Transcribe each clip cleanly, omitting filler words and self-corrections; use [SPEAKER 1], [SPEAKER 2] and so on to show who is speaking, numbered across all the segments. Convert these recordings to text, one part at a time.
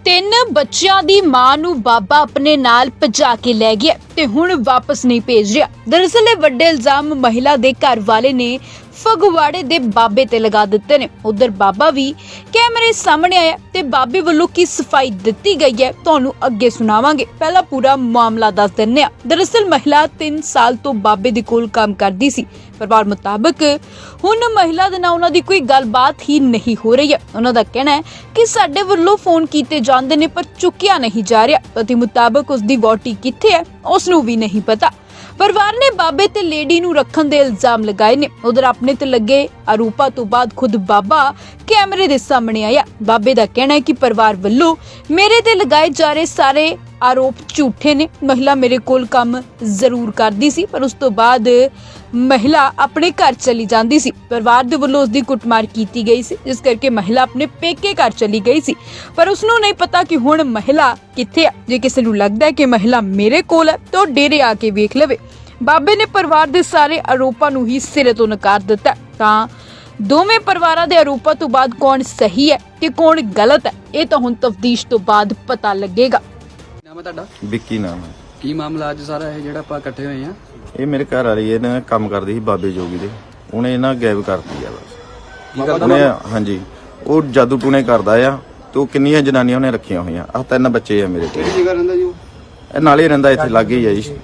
[SPEAKER 1] ਤਿੰਨ ਬੱਚਿਆਂ ਦੀ ਮਾਂ ਨੂੰ ਬਾਬਾ ਆਪਣੇ ਨਾਲ ਭਜਾ ਕੇ ਲੈ ਗਿਆ ਤੇ ਹੁਣ ਵਾਪਸ ਨਹੀਂ ਭੇਜ ਰਿਹਾ। ਦਰਅਸਲ ਇਹ ਵੱਡੇ ਇਲਜ਼ਾਮ ਮਹਿਲਾ ਦੇ ਘਰ ਵਾਲੇ ਨੇ ਫਗਵਾੜੇ ਦੇ ਬਾਬੇ ਤੇ ਲਗਾ ਦਿੱਤੇ ਨੇ। ਉਧਰ ਬਾਬਾ ਵੀ ਕੈਮਰੇ ਸਾਹਮਣੇ ਆਇਆ ਤੇ ਬਾਬੇ ਵੱਲੋਂ ਕੀ ਸਫਾਈ ਦਿੱਤੀ ਗਈ ਹੈ ਤੁਹਾਨੂੰ ਅੱਗੇ ਸੁਣਾਵਾਂਗੇ। ਪਹਿਲਾਂ ਪੂਰਾ ਮਾਮਲਾ ਦੱਸ ਦਿੰਨੇ ਆ। ਦਰਅਸਲ ਮਹਿਲਾ 3 ਸਾਲ ਤੋਂ ਬਾਬੇ ਦੇ ਕੋਲ ਕੰਮ ਕਰਦੀ ਸੀ। ਪਰਿਵਾਰ ਮੁਤਾਬਕ ਹੁਣ ਮਹਿਲਾ ਦੇ ਨਾਲ ਉਹਨਾਂ ਦੀ ਕੋਈ ਗੱਲਬਾਤ ਹੀ ਨਹੀਂ ਹੋ ਰਹੀ ਹੈ। ਉਹਨਾਂ ਦਾ ਕਹਿਣਾ ਹੈ ਕਿ ਸਾਡੇ ਵੱਲੋਂ ਫੋਨ ਕੀਤੇ ਜਾਂਦੇ ਨੇ ਪਰ ਚੁੱਕਿਆ ਨਹੀਂ ਜਾ ਰਿਹਾ। ਪਤੀ ਮੁਤਾਬਕ ਉਸ ਦੀ ਵਹੁਟੀ ਕਿੱਥੇ ਹੈ ਉਸ ਨੂੰ ਵੀ ਨਹੀਂ ਪਤਾ। ਪਰਿਵਾਰ ਨੇ ਬਾਬੇ ਤੇ ਲੇਡੀ ਨੂੰ ਰੱਖਣ ਦੇ ਇਲਜ਼ਾਮ ਲਗਾਏ ਨੇ। ਉਧਰ ਆਪਣੇ ਤੇ ਲੱਗੇ ਆਰੋਪਾਂ ਤੋਂ ਬਾਅਦ ਖੁਦ ਬਾਬਾ ਕੈਮਰੇ ਦੇ ਸਾਹਮਣੇ ਆਇਆ। ਬਾਬੇ ਦਾ ਕਹਿਣਾ ਹੈ ਕਿ ਪਰਿਵਾਰ ਵੱਲੋਂ ਮੇਰੇ ਤੇ ਲਗਾਏ ਜਾ ਰਹੇ ਸਾਰੇ ਆਰੋਪ ਝੂਠੇ ਨੇ। ਮਹਿਲਾ ਮੇਰੇ ਕੋਲ ਕੰਮ ਜ਼ਰੂਰ ਕਰਦੀ ਸੀ ਪਰ ਉਸ ਤੋਂ ਬਾਅਦ ਮਹਿਲਾ ਆਪਣੇ ਘਰ ਚਲੀ ਜਾਂਦੀ ਸੀ। ਪਰਿਵਾਰ ਦੇ ਵੱਲੋਂ ਉਸ ਦੀ ਕੁੱਟਮਾਰ ਕੀਤੀ ਗਈ ਸੀ ਜਿਸ ਕਰਕੇ ਮਹਿਲਾ ਆਪਣੇ ਪੇਕੇ ਘਰ ਚਲੀ ਗਈ ਸੀ ਪਰ ਉਸ ਨੂੰ ਨਹੀਂ ਪਤਾ ਕਿ ਹੁਣ ਮਹਿਲਾ ਕਿੱਥੇ ਹੈ। ਜੇ ਕਿਸੇ ਨੂੰ ਲੱਗਦਾ ਹੈ ਕਿ ਮਹਿਲਾ ਮੇਰੇ ਕੋਲ ਹੈ ਤਾਂ ਡੇਰੇ ਆ ਕੇ ਵੇਖ ਲਵੇ। ਬਾਬੇ ਨੇ ਪਰਿਵਾਰ ਦੇ ਸਾਰੇ ਆਰੋਪਾਂ ਨੂੰ ਹੀ ਸਿਰੇ ਤੋਂ ਨਕਾਰ ਦਿੱਤਾ। ਤਾਂ ਦੋਵੇਂ ਪਰਿਵਾਰਾਂ ਦੇ ਆਰੋਪਾਂ ਤੋਂ ਬਾਅਦ ਕੌਣ ਸਹੀ ਹੈ ਤੇ ਕੌਣ ਗਲਤ ਹੈ ਇਹ ਤਾਂ ਹੁਣ ਤਫਤੀਸ਼ ਤੋਂ ਬਾਅਦ ਪਤਾ ਲੱਗੇਗਾ।
[SPEAKER 2] ਨਾਮ ਹੈ ਤੁਹਾਡਾ?
[SPEAKER 3] ਵਿੱਕੀ ਨਾਮ ਹੈ।
[SPEAKER 2] ਕੀ ਮਾਮਲਾ ਅੱਜ ਸਾਰਾ ਇਹ ਜਿਹੜਾ ਆਪਾਂ ਇਕੱਠੇ ਹੋਏ ਆ?
[SPEAKER 3] ਇਹ ਮੇਰੇ ਘਰ ਵਾਲੀ ਇਹਨਾਂ ਕੰਮ ਕਰਦੀ ਸੀ ਬਾਬੇ ਜੋਗੀ ਦੇ। ਉਹਨੇ ਇਹਨਾਂ ਗਾਇਬ ਕਰਤੀ ਆ ਬਸ।
[SPEAKER 2] ਕੀ ਕਰਦਾ
[SPEAKER 3] ਉਹਨੇ ਹਾਂਜੀ ਉਹ ਜਾਦੂ ਟੂਣੇ ਕਰਦਾ ਆ ਤੇ ਉਹ ਕਿੰਨੀਆਂ ਜਨਾਨੀਆਂ ਉਹਨੇ ਰੱਖੀਆਂ ਹੋਈਆਂ। ਆਹ 3 ਬੱਚੇ ਆ ਮੇਰੇ ਕੋਲ।
[SPEAKER 2] ਕਿਹੜੀ ਜਗ੍ਹਾ ਰਹਿੰਦਾ ਜੀ ਉਹ?
[SPEAKER 3] ਇਹ ਨਾਲੇ ਰਹਿੰਦਾ ਇੱਥੇ ਲਾਗੇ ਹੀ ਆ ਜੀ।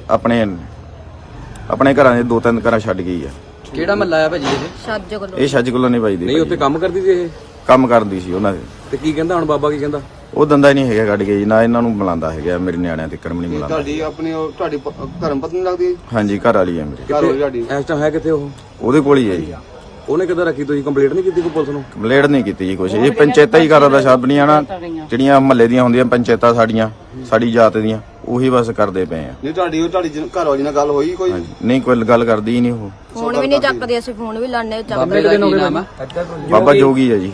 [SPEAKER 3] ਆਪਣੇ ਘਰਾਂ ਦੇ 2-3 ਘਰਾਂ ਛੱਡ ਗਈ ਆ।
[SPEAKER 2] ਕਿਹੜਾ ਮਹੱਲਾ ਆ ਭਾਜੀ ਇਹ?
[SPEAKER 3] ਇਹ ਛੱਜ ਕੋਲੋਂ ਨਹੀਂ ਵੱਜਦੀ।
[SPEAKER 2] ਨਹੀਂ ਉੱਥੇ ਕੰਮ ਕਰਦੀ ਸੀ ਇਹ?
[SPEAKER 3] ਕੰਮ ਕਰਦੀ ਸੀ ਉਹਨਾਂ ਦੇ।
[SPEAKER 2] ਤੇ ਕੀ ਕਹਿੰਦਾ ਹੁਣ ਬਾਬਾ? ਕੀ ਕਹਿੰਦਾ?
[SPEAKER 3] ਉਹ ਦੰਦਾ ਹੀ ਨਹੀਂ ਹੈਗਾ ਕੱਢ ਕੇ ਜੀ। ਨਾ ਇਹਨਾਂ ਨੂੰ ਬੁਲਾਉਂਦਾ ਹੈਗਾ ਮੇਰੇ ਨਿਆਣਿਆਂ ਤੇ ਕਰਮ ਨਹੀਂ ਬੁਲਾਉਂਦਾ।
[SPEAKER 4] ਤੁਹਾਡੀ ਆਪਣੀ ਤੁਹਾਡੀ ਧਰਮ ਪਤਨੀ ਲੱਗਦੀ ਹੈ?
[SPEAKER 3] ਹਾਂਜੀ ਘਰ ਵਾਲੀ ਆ ਮੇਰੀ।
[SPEAKER 4] ਘਰ ਵਾਲੀ ਤੁਹਾਡੀ
[SPEAKER 2] ਇਸ ਟਾਈਮ ਹੈ ਕਿੱਥੇ ਉਹ?
[SPEAKER 3] ਉਹਦੇ ਕੋਲ ਹੀ ਹੈ ਜੀ।
[SPEAKER 2] ਉਹਨੇ ਕਿੱਦਾਂ ਰੱਖੀ? ਤੁਸੀਂ ਕੰਪਲੀਟ ਨਹੀਂ ਕੀਤੀ ਕੋਈ ਪੁਲਿਸ ਨੂੰ?
[SPEAKER 3] ਕੰਪਲੇਂਟ ਨਹੀਂ ਕੀਤੀ ਜੀ ਕੁਛ। ਇਹ ਪੰਚਾਇਤਾਂ ਹੀ ਕਰਦਾ ਸ਼ਬਦ ਨਹੀਂ ਆਣਾ ਜਿਹੜੀਆਂ ਮਹੱਲੇ ਦੀਆਂ ਹੁੰਦੀਆਂ ਪੰਚਾਇਤਾਂ ਸਾਡੀਆਂ ਸਾਡੀ ਜਾਤ ਦੀਆਂ ਉਹੀ ਬਸ ਕਰਦੇ ਪਏ ਆ।
[SPEAKER 4] ਨਹੀਂ ਤੁਹਾਡੀ ਘਰ ਵਾਲੀ ਨਾਲ ਗੱਲ ਹੋਈ ਕੋਈ?
[SPEAKER 3] ਨਹੀਂ ਕੋਈ ਗੱਲ ਕਰਦੀ ਹੀ ਨਹੀਂ ਉਹ।
[SPEAKER 5] ਫੋਨ ਵੀ ਨਹੀਂ ਚੱਕਦੇ, ਅਸੀਂ ਫੋਨ ਵੀ ਲਾਣੇ
[SPEAKER 2] ਬਾਬੇ ਦਾ ਕੀ ਨਾਮ ਆ?
[SPEAKER 3] ਬਾਬਾ ਜੋਗੀ ਹੈ ਜੀ।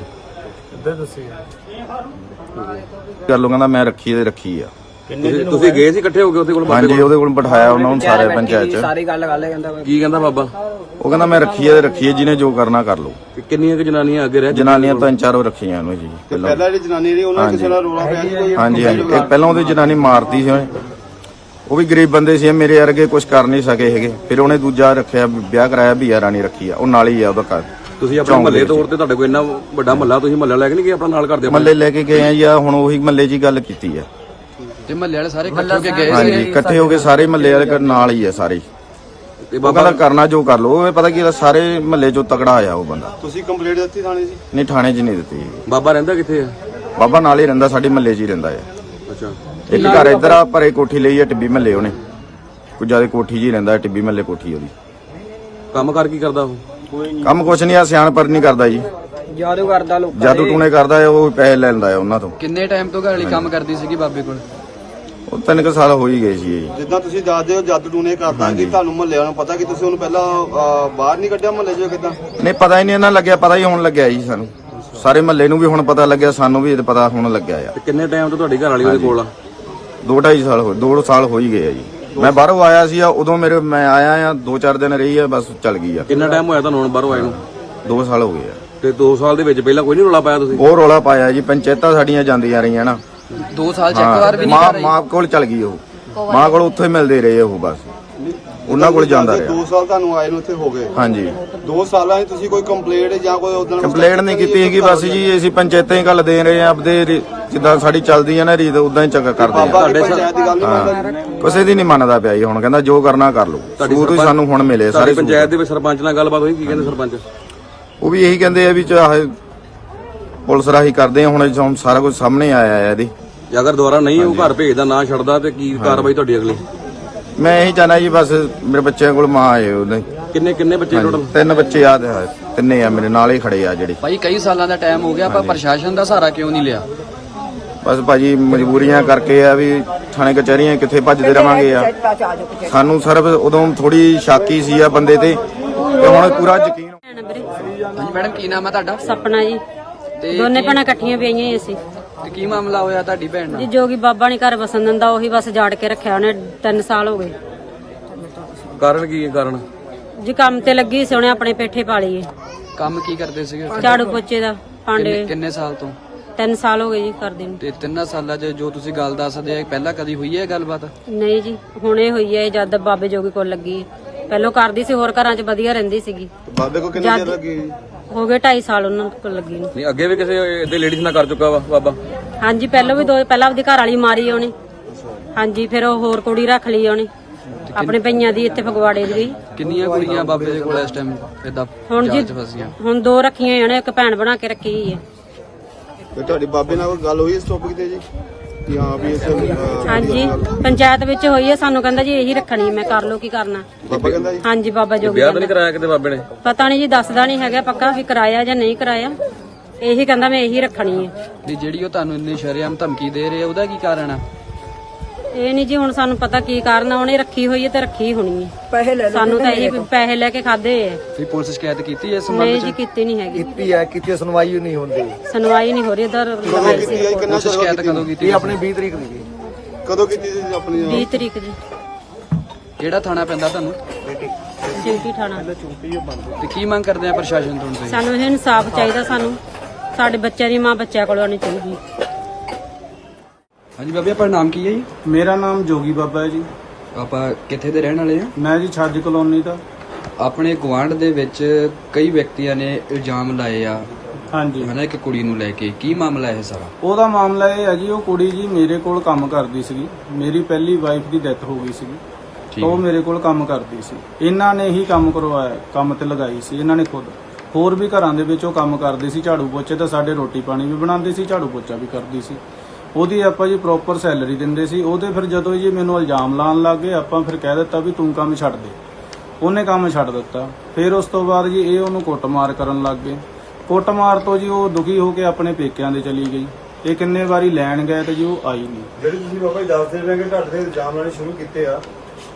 [SPEAKER 3] ਕਰ ਲੋ ਕਹਿੰਦਾ ਮੈਂ ਰੱਖੀ ਤੇ ਰੱਖੀ ਆ।
[SPEAKER 2] ਤੁਸੀਂ ਗਏ ਸੀ ਇਕੱਠੇ ਹੋ ਕੇ ਉਹਦੇ ਕੋਲ?
[SPEAKER 3] ਹਾਂਜੀ ਉਹਦੇ ਕੋਲ ਬਿਠਾਇਆ ਉਹਨਾਂ ਨੂੰ ਸਾਰੇ ਪੰਚਾਇਤ ਚ।
[SPEAKER 2] ਸਾਰੀ ਗੱਲ ਕਰ ਲੈ ਕਹਿੰਦਾ। ਕੀ ਕਹਿੰਦਾ ਬਾਬਾ?
[SPEAKER 3] ਉਹ ਕਹਿੰਦਾ ਮੈਂ ਰੱਖੀ ਤੇ ਰੱਖੀ ਹੈ ਜਿਹਨੇ ਜੋ ਕਰਨਾ ਕਰ ਲੋ।
[SPEAKER 2] ਕਿੰਨੀਆਂ ਕਿ ਜਨਾਨੀਆਂ ਅੱਗੇ ਰਹਿ?
[SPEAKER 3] ਜਨਾਨੀਆਂ 3-4 ਰੱਖੀਆਂ ਉਹਨੂੰ ਜੀ ਪਹਿਲਾਂ।
[SPEAKER 4] ਪਹਿਲਾਂ ਜਿਹੜੀ ਜਨਾਨੀ ਰਹੀ ਉਹਨਾਂ ਕਿਸੇ ਨਾਲ ਰੋਲਾ ਪਿਆ ਸੀ ਕੋਈ?
[SPEAKER 3] ਹਾਂਜੀ ਹਾਂਜੀ ਇੱਕ ਪਹਿਲਾਂ ਉਹਦੀ ਜਨਾਨੀ ਮਾਰਤੀ ਸੀ ਉਹਨੇ। ਉਹ ਵੀ ਗਰੀਬ ਬੰਦੇ ਸੀ ਮੇਰੇ ਵਰਗੇ ਕੁਝ ਕਰ ਨਹੀਂ ਸਕੇ ਹੈਗੇ। ਫਿਰ ਉਹਨੇ ਦੂਜਾ ਰੱਖਿਆ ਵਿਆਹ ਕਰਾਇਆ ਬੀਆ ਰਾਣੀ ਰੱਖੀ ਆ। ਉਹ ਨਾਲ ਹੀ ਆ ਉਹਦਾ ਘਰ।
[SPEAKER 2] ਤੁਸੀਂ ਆਪਣੇ ਮਹੱਲੇ ਤੌਰ ਤੇ ਤੁਹਾਡੇ ਕੋਲ ਇੰਨਾ ਵੱਡਾ ਮਹੱਲਾ ਤੁਸੀਂ ਮਹੱਲਾ ਲੈ ਕੇ ਨਹੀਂ ਗਏ ਆਪਣਾ ਨਾਲ ਕਰਦੇ?
[SPEAKER 3] ਮਹੱਲੇ ਲੈ ਕੇ ਗਏ ਆ ਜੀ। ਆਹ ਹੁਣ ਉਹੀ ਮਹੱਲੇ 'ਚ ਹੀ ਗੱਲ ਕੀਤੀ ਆ।
[SPEAKER 2] ਤੇ ਮਹੱਲੇ ਵਾਲੇ ਸਾਰੇ ਇਕੱਠੇ ਹੋ ਕੇ ਗਏ
[SPEAKER 3] ਹਾਂਜੀ ਇਕੱਠੇ ਹੋ ਕੇ ਸਾਰੇ ਮਹੱਲੇ ਵਾਲੇ ਨਾਲ ਹੀ ਆ ਸਾਰੇ।
[SPEAKER 2] ਤੇ
[SPEAKER 3] ਉਹ
[SPEAKER 2] ਬਾਬਾ
[SPEAKER 3] ਕਹਿੰਦਾ ਕਰਨਾ ਜੋ ਕਰ ਲੋ। ਉਹ ਪਤਾ ਕੀ ਸਾਰੇ ਮਹੱਲੇ 'ਚੋਂ ਤਕੜਾ ਆਇਆ ਉਹ ਬੰਦਾ।
[SPEAKER 4] ਤੁਸੀਂ ਕੰਪਲੀਟ ਦਿੱਤੀ ਥਾਣੇ 'ਚ?
[SPEAKER 3] ਨਹੀਂ ਥਾਣੇ 'ਚ ਨਹੀਂ ਦਿੱਤੀ।
[SPEAKER 2] ਬਾਬਾ ਰਹਿੰਦਾ ਕਿੱਥੇ ਆ?
[SPEAKER 3] ਬਾਬਾ ਨਾਲ ਹੀ ਰਹਿੰਦਾ ਸਾਡੇ ਮਹੱਲੇ 'ਚ ਹੀ ਰਹਿੰਦਾ ਆ।
[SPEAKER 2] ਅੱਛਾ।
[SPEAKER 3] ਇੱਕ ਘਰ ਇੱਧਰ ਆ ਪਰੇ ਕੋਠੀ ਲਈ ਆ ਟਿੱਬੀ ਮਹੱਲੇ ਉਹਨੇ। ਕੁਝ ਜ਼ਿਆਦਾ ਕੋਠੀ 'ਚ ਹੀ ਰਹਿੰਦਾ ਟਿੱਬੀ ਮਹੱਲੇ ਕੋਠੀ ਉਹਦੀ।
[SPEAKER 2] ਕੰਮ ਕਰ ਕੀ ਕਰਦਾ ਉਹ?
[SPEAKER 3] ਕੰਮ ਕੁਛ ਨਹੀਂ ਆ ਸਿਆਣਪਰ ਨਹੀਂ ਕਰਦਾ ਜੀ।
[SPEAKER 2] ਜਾਦੂ ਕਰਦਾ ਲੋਕਾਂ
[SPEAKER 3] ਜਾਦੂ ਟੂਣੇ ਕਰਦਾ ਆ। ਉਹ ਪੈਸੇ ਲੈ ਲੈਂਦਾ ਆ ਉਹਨਾਂ ਤੋਂ।
[SPEAKER 2] ਕਿੰਨੇ ਟਾਈਮ ਤੋਂ ਘਰ ਵਾਲੀ ਕੰਮ ਕਰਦੀ ਸੀਗੀ ਬਾਬੇ ਕੋਲ?
[SPEAKER 3] ਉਹ 3 ਸਾਲ ਹੋ ਹੀ ਗਏ ਸੀ ਜੀ।
[SPEAKER 4] ਜਿੱਦਾਂ ਤੁਸੀਂ ਦੱਸਦੇ ਹੋ ਜਾਦੂ ਟੂਨੇ ਕਰਦਾ ਕਿ ਤੁਹਾਨੂੰ ਮਹੱਲੇ ਵਾਲਿਆਂ ਨੂੰ ਪਤਾ ਕਿ ਤੁਸੀਂ ਉਹਨੂੰ ਪਹਿਲਾਂ ਬਾਹਰ ਨਹੀਂ ਕੱਢਿਆ ਮਹੱਲੇ 'ਚੋਂ ਕਿੱਦਾਂ?
[SPEAKER 3] ਨਹੀਂ ਪਤਾ ਹੀ ਨਹੀਂ ਇਹਨਾਂ ਲੱਗਿਆ। ਪਤਾ ਹੀ ਹੁਣ ਲੱਗਿਆ ਜੀ ਸਾਨੂੰ। ਸਾਰੇ ਮਹੱਲੇ ਨੂੰ ਵੀ ਹੁਣ ਪਤਾ ਲੱਗਿਆ। ਸਾਨੂੰ ਵੀ ਪਤਾ ਹੁਣ ਲੱਗਿਆ ਆ।
[SPEAKER 2] ਤੇ ਕਿੰਨੇ ਟਾਈਮ ਤੋਂ ਤੁਹਾਡੀ ਘਰ ਵਾਲੀ ਉਹਦੇ ਕੋਲ ਆ?
[SPEAKER 3] 2-2.5 ਸਾਲ ਹੋਏ। 2 ਸਾਲ ਹੋ ਹੀ ਗਏ ਆ ਜੀ। ਮੈਂ ਬਾਹਰੋਂ ਆਇਆ ਸੀ ਉਦੋਂ ਮੈਂ ਆਇਆ ਆ 2-4 ਦਿਨ ਰਹੀ ਆ ਬਸ ਚੱਲ ਗਈ ਆ।
[SPEAKER 2] ਕਿੰਨਾ ਟਾਈਮ ਹੋਇਆ ਤੁਹਾਨੂੰ ਹੁਣ ਬਾਹਰੋਂ ਆਏ ਨੂੰ?
[SPEAKER 3] 2 ਸਾਲ ਹੋ ਗਏ ਆ।
[SPEAKER 2] ਤੇ 2 ਸਾਲ ਦੇ ਵਿੱਚ ਪਹਿਲਾਂ ਕੋਈ ਨਹੀਂ ਰੌਲਾ ਪਾਇਆ ਤੁਸੀਂ?
[SPEAKER 3] ਉਹ ਰੌਲਾ ਪਾਇਆ ਜੀ। ਪੰਚਾਇਤਾਂ ਸਾਡੀਆਂ ਜਾਂਦੀਆਂ ਰਹੀਆਂ ਨਾ।
[SPEAKER 2] 2 ਸਾਲ ਚ ਇੱਕ ਵਾਰ ਵੀ ਨਹੀਂ ਕਰ
[SPEAKER 3] ਮਾਂ ਕੋਲ ਚੱਲ ਗਈ ਉਹ। ਮਾਂ ਕੋਲ ਉੱਥੇ ਮਿਲਦੇ ਰਹੇ ਉਹ ਬਸ। ਉਹਨਾਂ ਕੋਲ ਜਾਂਦਾ ਰਿਹਾ।
[SPEAKER 4] 2 ਸਾਲ ਤੁਹਾਨੂੰ ਆਏ ਨੂੰ ਇੱਥੇ ਹੋ ਗਏ।
[SPEAKER 3] ਹਾਂਜੀ
[SPEAKER 4] 2 ਸਾਲਾਂ 'ਚ ਤੁਸੀਂ ਕੋਈ ਕੰਪਲੇਂਟ ਜਾਂ ਕੋਈ ਉਦੋਂ
[SPEAKER 3] ਕੰਪਲੇਂਟ ਨਹੀਂ ਕੀਤੀ ਹੈਗੀ ਬਸ ਜੀ। ਅਸੀਂ ਪੰਚਾਇਤਾਂ ਹੀ ਗੱਲ ਦੇ ਰਹੇ ਆ ਆਪਦੇ ਜਿੱਦਾਂ ਸਾਡੀ ਚੱਲਦੀ ਆ ਨਾ ਰੀਤ ਉਦਾਂ ਹੀ ਚੱਕਰ ਕਰਦੇ ਆ।
[SPEAKER 4] ਤੁਹਾਡੇ ਪੰਚਾਇਤ ਦੀ ਗੱਲ ਨਹੀਂ ਮੰਨਦਾ?
[SPEAKER 3] ਕਿਸੇ ਦੀ ਨਹੀਂ ਮੰਨਦਾ ਪਿਆ ਜੀ। ਹੁਣ ਕਹਿੰਦਾ ਜੋ ਕਰਨਾ ਕਰ ਲਓ। ਸਬੂਤ ਹੀ ਸਾਨੂੰ ਹੁਣ ਮਿਲੇ ਸਾਰੇ।
[SPEAKER 2] ਪੰਚਾਇਤ ਦੇ ਵਿੱਚ ਸਰਪੰਚ ਨਾਲ ਗੱਲਬਾਤ ਹੋਈ? ਕੀ ਕਹਿੰਦੇ ਸਰਪੰਚ?
[SPEAKER 3] ਉਹ ਵੀ ਇਹੀ ਕਹਿੰਦੇ ਆ ਵੀ ਚਾਹੇ ਪੁਲਿਸ ਰਾਹੀਂ ਕਰਦੇ ਆ। ਹੁਣ ਸਾਰਾ ਕੁਝ ਸਾਹਮਣੇ ਆਇਆ ਹੈ ਇਹਦੇ।
[SPEAKER 2] ਜੇ ਅਗਰ ਦੁਬਾਰਾ ਨਹੀਂ ਉਹ ਘਰ ਭੇਜਦਾ ਨਾ ਛੱਡਦਾ ਤੇ ਕੀ ਕਾਰਵਾਈ ਤੁਹਾਡੀ ਅਗਲੀ?
[SPEAKER 3] ਮੈਂ ਇਹੀ ਚਾਹਨਾ ਜੀ ਬਸ ਮੇਰੇ ਬੱਚਿਆਂ ਕੋਲ ਮਾਂ ਆਏ ਉਹਦੇ।
[SPEAKER 2] ਕਿੰਨੇ ਬੱਚੇ ਟੋਟਲ?
[SPEAKER 3] 3 ਬੱਚੇ ਆ ਤੇ ਤਿੰਨੇ ਆ ਮੇਰੇ ਨਾਲ ਹੀ ਖੜੇ ਆ ਜਿਹੜੇ।
[SPEAKER 2] ਭਾਈ ਕਈ ਸਾਲਾਂ ਦਾ ਟਾਈਮ ਹੋ ਗਿਆ ਆਪਾਂ ਪ੍ਰਸ਼ਾਸਨ ਦਾ ਸਹਾਰਾ ਕਿਉਂ ਨਹੀਂ ਲਿਆ?
[SPEAKER 3] ਬਸ ਭਾਜੀ ਮਜਬੂਰੀਆਂ ਕਰਕੇ ਆ ਵੀ ਥਾਣੇ ਕਚਹਿਰੀਆਂ ਕਿੱਥੇ ਭੱਜਦੇ ਰਵਾਂਗੇ ਆ। ਸਾਨੂੰ ਸਿਰਫ ਉਦੋਂ ਥੋੜੀ ਸ਼ਾਕੀ ਸੀ ਆ ਬੰਦੇ ਤੇ ਹੁਣ ਪੂਰਾ ਯਕੀਨ।
[SPEAKER 2] ਹਾਂਜੀ ਮੈਡਮ ਕੀ ਨਾਮ ਹੈ ਤੁਹਾਡਾ?
[SPEAKER 5] ਸਪਨਾ ਜੀ। ਦੋਨੇ ਭੈਣਾਂ ਇਕੱਠੀਆਂ ਪਈਆਂ ਹੀ ਅਸੀਂ।
[SPEAKER 2] ਤੇ ਕੀ ਮਾਮਲਾ ਹੋਇਆ ਤੁਹਾਡੀ ਭੈਣ ਨਾਲ?
[SPEAKER 5] ਜੀ ਜੋਗੀ ਬਾਬਾ ਨਹੀਂ ਘਰ ਵਸਣ ਦਿੰਦਾ, ਉਹੀ ਬਸ ਜਾੜ ਕੇ ਰੱਖਿਆ ਉਹਨੇ। 3 ਸਾਲ ਹੋ ਗਏ।
[SPEAKER 2] ਕਾਰਨ ਕੀ ਹੈ? ਕਾਰਨ
[SPEAKER 5] ਜੀ ਕੰਮ ਤੇ ਲੱਗੀ ਸੀ ਉਹਨੇ ਆਪਣੇ ਪੇਠੇ ਪਾਲੀਏ।
[SPEAKER 2] ਕੰਮ ਕੀ ਕਰਦੇ ਸੀਗੇ?
[SPEAKER 5] ਝਾੜੂ ਪੋਚੇ ਦਾ, ਭਾਂਡੇ।
[SPEAKER 2] ਕਿੰਨੇ ਸਾਲ ਤੋਂ?
[SPEAKER 5] 3 ਸਾਲ ਹੋ ਗਏ ਜੀ ਕਰਦੇ ਨੂੰ।
[SPEAKER 6] ਤੇ 3 ਸਾਲਾਂ 'ਚ ਜੋ ਤੁਸੀਂ ਗੱਲ ਦੱਸਦੇ ਆ ਪਹਿਲਾਂ ਕਦੀ ਹੋਈ ਹੈ ਗੱਲਬਾਤ?
[SPEAKER 5] ਨਹੀਂ ਜੀ, ਹੁਣੇ ਹੋਈ ਹੈ ਜਦ ਬਾਬੇ ਜੋਗੀ ਕੋਲ ਲੱਗੀ ਹੈ। ਪਹਿਲਾਂ ਕਰਦੀ ਸੀ, ਹੋਰ ਘਰਾਂ 'ਚ ਵਧੀਆ ਰਹਿੰਦੀ ਸੀਗੀ।
[SPEAKER 4] ਬਾਬੇ ਕੋ ਕਿੰਨੇ ਚਿਰ ਲੱਗੀ?
[SPEAKER 5] ਹੋ ਗਏ 2.5 ਸਾਲ ਉਹਨਾਂ ਕੋਲ ਲੱਗੀ ਨੂੰ।
[SPEAKER 2] ਨਹੀਂ ਅੱਗੇ ਵੀ ਕਿਸੇ ਇਹਦੇ ਲੇਡੀਜ਼ ਨਾਲ ਕਰ ਚੁੱਕਾ ਵਾ ਬਾਬਾ?
[SPEAKER 5] ਹਾਂਜੀ, ਪਹਿਲਾਂ ਵੀ ਪਹਿਲਾਂ ਆਪਦੀ ਘਰ ਵਾਲੀ ਮਾਰੀ ਉਹਨੇ। ਹਾਂਜੀ, ਫਿਰ ਉਹ ਹੋਰ ਕੁੜੀ ਰੱਖ ਲਈ ਉਹਨੇ ਆਪਣੇ ਪਈਆਂ ਦੀ, ਇੱਥੇ ਫਗਵਾੜੇ ਦੀ।
[SPEAKER 6] ਕਿੰਨੀਆਂ ਕੁੜੀਆਂ ਬਾਬੇ ਦੇ ਕੋਲ ਇਸ ਟਾਈਮ ਇਦਾਂ
[SPEAKER 5] ਹੁਣ ਜੀ
[SPEAKER 6] ਜਾਂਚ ਫਸੀਆਂ?
[SPEAKER 5] ਹੁਣ 2 ਰੱਖੀਆਂ ਉਹਨੇ, ਇੱਕ ਭੈਣ ਬਣਾ ਕੇ ਰੱਖੀ ਹੋਈ ਹੈ।
[SPEAKER 4] ਤੇ ਤੁਹਾਡੀ ਬਾਬੇ ਨਾਲ ਕੋਈ ਗੱਲ ਹੋਈ ਇਸ ਟੌਪਿਕ ਤੇ ਜੀ ਕਿ ਹਾਂ ਵੀ ਇਸ
[SPEAKER 5] ਹਾਂਜੀ, ਪੰਚਾਇਤ ਵਿੱਚ ਹੋਈ ਹੈ। ਸਾਨੂੰ ਕਹਿੰਦਾ ਜੀ ਇਹੀ ਰੱਖਣੀ, ਮੈਂ ਕਰ ਲਓ ਕੀ ਕਰਨਾ।
[SPEAKER 4] ਬਾਬਾ ਕਹਿੰਦਾ ਜੀ?
[SPEAKER 5] ਹਾਂਜੀ, ਬਾਬਾ ਜੋਗੀ
[SPEAKER 2] ਵਿਆਹ ਤਾਂ ਨਹੀਂ ਕਰਾਇਆ ਕਿਤੇ ਬਾਬੇ ਨੇ?
[SPEAKER 5] ਪਤਾ ਨਹੀਂ ਜੀ, ਦੱਸਦਾ ਨਹੀਂ ਹੈਗਾ ਪੱਕਾ ਵੀ ਕਰਾਇਆ ਜਾਂ ਨਹੀਂ ਕਰਾਇਆ। ਇਹੀ ਕਹਿੰਦਾ ਮੈਂ ਇਹੀ ਰੱਖਣੀ ਹੈ।
[SPEAKER 6] ਨਹੀਂ, ਜਿਹੜੀ ਉਹ ਤੁਹਾਨੂੰ ਇੰਨੀ ਸ਼ਰੇਆਮ ਧਮਕੀ ਦੇ ਰਹੇ ਆ ਉਹਦਾ ਕੀ ਕਾਰਨ ਆ?
[SPEAKER 5] ਇਹ ਨਹੀਂ ਜੀ, ਹੁਣ ਸਾਨੂੰ ਪਤਾ ਕੀ ਕਾਰਨ ਆ। ਉਹਨੇ ਰੱਖੀ ਹੋਈ ਹੈ ਤੇ ਰੱਖੀ ਹੋਣੀ ਹੈ। ਸਾਨੂੰ ਤਾਂ ਇਹ ਪੈਸੇ ਲੈ ਕੇ ਖਾਦੇ ਹੈ।
[SPEAKER 6] ਵੀ ਪੁਲਿਸ ਸ਼ਿਕਾਇਤ ਕੀਤੀ ਹੈ ਇਸ
[SPEAKER 5] ਨਹੀਂ
[SPEAKER 6] ਸੰਬੰਧ
[SPEAKER 5] ਜੀ,
[SPEAKER 6] 'ਚ?
[SPEAKER 5] ਕੀਤੀ ਨਹੀਂ ਹੈਗੀ।
[SPEAKER 7] ਕੀਤੀ ਸੁਣਵਾਈ ਨਹੀਂ ਹੁੰਦੀ।
[SPEAKER 5] ਸੁਣਵਾਈ ਨਹੀਂ ਹੋ ਰਹੀ ਇਧਰ।
[SPEAKER 4] ਕਿੰਨਾ
[SPEAKER 6] ਪੁਲਿਸ ਸ਼ਿਕਾਇਤ ਕਦੋਂ ਕੀਤੀ?
[SPEAKER 7] ਆਪਣੇ 20 ਤਰੀਕ ਦੀ ਜੀ।
[SPEAKER 4] ਕਦੋਂ ਕੀਤੀ ਸੀ ਆਪਣੀ?
[SPEAKER 5] 20 ਤਰੀਕ ਜੀ।
[SPEAKER 6] ਕਿਹੜਾ ਥਾਣਾ ਪੈਂਦਾ ਤੁਹਾਨੂੰ?
[SPEAKER 5] ਚਿੰਟੀ ਥਾਣਾ।
[SPEAKER 6] ਤੇ ਕੀ ਮੰਗ ਕਰਦੇ ਆ ਪ੍ਰਸ਼ਾਸਨ ਤੋਂ ਤੁਸੀਂ?
[SPEAKER 5] ਸਾਨੂੰ ਇਹ ਇਨਸਾਫ ਚਾਹੀਦਾ। ਸਾਨੂੰ ਸਾਡੇ ਬੱਚਿਆਂ ਦੀ ਮਾਂ ਬੱਚਿਆਂ ਕੋਲ ਆਉਣੀ ਚਾਹੀਦੀ।
[SPEAKER 6] ਹਾਂਜੀ ਬਾਬੇ, ਆਪਣਾ ਨਾਮ ਕੀ ਹੈ ਜੀ?
[SPEAKER 8] ਮੇਰਾ ਨਾਮ ਜੋਗੀ ਬਾਬਾ ਹੈ ਜੀ।
[SPEAKER 6] ਆਪਾਂ ਕਿੱਥੇ ਦੇ ਰਹਿਣ ਵਾਲੇ ਆ?
[SPEAKER 8] ਮੈਂ ਜੀ ਛੱਜ ਕਲੋਨੀ ਦਾ।
[SPEAKER 6] ਆਪਣੇ ਗੁਆਂਢ ਦੇ ਵਿੱਚ ਕਈ ਵਿਅਕਤੀਆਂ ਨੇ ਇਲਜ਼ਾਮ ਲਾਏ ਆ
[SPEAKER 8] ਹਾਂਜੀ,
[SPEAKER 6] ਹਨਾ ਇੱਕ ਕੁੜੀ ਨੂੰ ਲੈ ਕੇ। ਕੀ ਮਾਮਲਾ ਇਹ ਸਾਰਾ?
[SPEAKER 8] ਉਹਦਾ ਮਾਮਲਾ ਇਹ ਹੈ ਜੀ, ਉਹ ਕੁੜੀ ਜੀ ਮੇਰੇ ਕੋਲ ਕੰਮ ਕਰਦੀ ਸੀਗੀ। ਮੇਰੀ ਪਹਿਲੀ ਵਾਈਫ ਦੀ ਡੈਥ ਹੋ ਗਈ ਸੀਗੀ,
[SPEAKER 6] ਠੀਕ
[SPEAKER 8] ਉਹ
[SPEAKER 6] ਹੈ।
[SPEAKER 8] ਮੇਰੇ ਕੋਲ ਕੰਮ ਕਰਦੀ ਸੀ। ਇਹਨਾਂ ਨੇ ਹੀ ਕੰਮ ਕਰਵਾਇਆ, ਕੰਮ ਤੇ ਲਗਾਈ ਸੀ ਇਹਨਾਂ ਨੇ ਖੁਦ। ਹੋਰ ਵੀ ਘਰਾਂ ਦੇ ਵਿੱਚ ਉਹ ਕੰਮ ਕਰਦੀ ਸੀ, ਝਾੜੂ ਪੋਚੇ ਤਾਂ ਸਾਡੇ ਰੋਟੀ ਪਾਣੀ ਵੀ ਬਣਾਉਂਦੀ ਸੀ, ਝਾੜੂ ਪੋਚਾ ਵੀ ਕਰਦੀ ਸੀ। ਉਹਦੀ ਆਪਾਂ ਜੀ ਪ੍ਰੋਪਰ ਸੈਲਰੀ ਦਿੰਦੇ ਸੀ। ਉਹਦੇ ਫਿਰ ਜਦੋਂ ਜੀ ਮੈਨੂੰ ਇਲਜ਼ਾਮ ਲਾਉਣ ਲੱਗ ਗਏ, ਆਪਾਂ ਫਿਰ ਕਹਿ ਦਿੱਤਾ ਵੀ ਤੂੰ ਕੰਮ ਛੱਡ ਦੇ। ਉਹਨੇ ਕੰਮ ਛੱਡ ਦਿੱਤਾ। ਫਿਰ ਉਸ ਤੋਂ ਬਾਅਦ ਜੀ ਇਹ ਉਹਨੂੰ ਕੁੱਟਮਾਰ ਕਰਨ ਲੱਗ ਗਏ। ਕੁੱਟਮਾਰ ਤੋਂ ਜੀ ਉਹ ਦੁਖੀ ਹੋ ਕੇ ਆਪਣੇ ਪੇਕਿਆਂ ਦੇ ਚਲੀ ਗਈ। ਇਹ ਕਿੰਨੇ ਵਾਰੀ ਲੈਣ ਗਏ ਤੇ ਜੀ ਉਹ ਆਈ ਨਹੀਂ।
[SPEAKER 4] ਜਿਹੜੇ ਤੁਸੀਂ ਬਾਬਾ ਜੀ ਦੱਸਦੇ ਰਹੇ ਕਿ ਤੁਹਾਡੇ ਤੇ ਇਲਜ਼ਾਮ ਲਾਣੇ ਸ਼ੁਰੂ ਕੀਤੇ ਆ,